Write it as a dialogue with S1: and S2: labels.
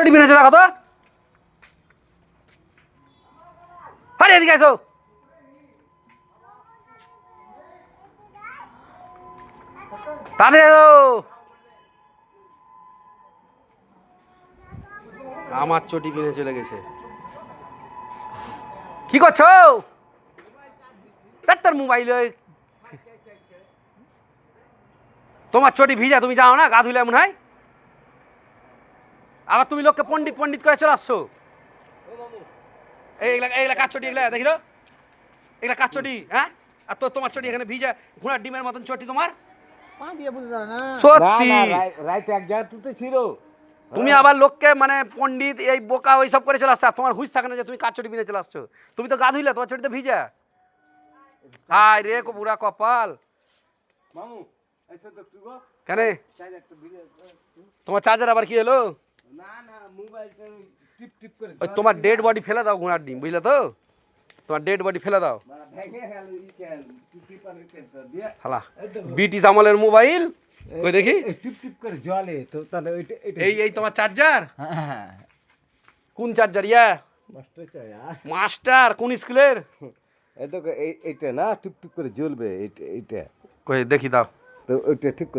S1: চটি বিনেছে দেখো তো। আরে এদিকে আসো। তাড়াতাড়ি এসো। আমার চটি বিনে চলে গেছে। কি করছো? তার মোবাইল তোমার চটি ভিজা, তুমি যাও না গা ধুলে এমন হয়। আবার তুমি লোককে পণ্ডিত পণ্ডিত করে চলে আসছো। এইগুলা এইগুলা কাজ চটি, এগুলা দেখি তো, এগুলা কাজ চটি। হ্যাঁ, আর তো তোমার চটি এখানে ভিজা ঘোড়ার ডিমের মতন চটি তোমার। সত্যি
S2: রাইতে এক জায়গায় তুলতে ছিল।
S1: তুমি আবার লোককে মানে পণ্ডিত এই বোকা ওই সব করে চলে আসছো। আর তোমার হুঁশ থাকে না যে তুমি কাজ চটি বিনে চলে আসছো। তুমি তো গা ধুইলে, তোমার চটিতে ভিজা। হায় রে বুড়া কপাল।
S2: মামু এসে তো তুই গো
S1: কেন
S2: চার্জার তো ভিজে।
S1: তোমার চার্জার আবার কি হলো?
S2: না না মোবাইলটা টিপ টিপ করে
S1: ওই তোমার ডেড বডি ফেলে দাও ঘোড়ার ডিম, বুঝলে তো? তোমার ডেড বডি ফেলে দাও।
S2: ভেঙে গেল ই কেন টিপ আর কেন দিয়ে
S1: হালা ব্রিটিশ আমলের মোবাইল। ওই দেখি
S2: টিপ টিপ করে জ্বলে তো, তাহলে ওইটা
S1: এই এই তোমার চার্জার।
S2: হ্যাঁ
S1: কোন চার্জার ইয়া?
S2: মাস্টার চাই আর
S1: মাস্টার কোন স্কুলের?
S2: এই তো এইটা না টিপ টিপ করে জ্বলবে এইটা এইটা
S1: কই দেখি দাও।
S2: তো ওইটা ঠিক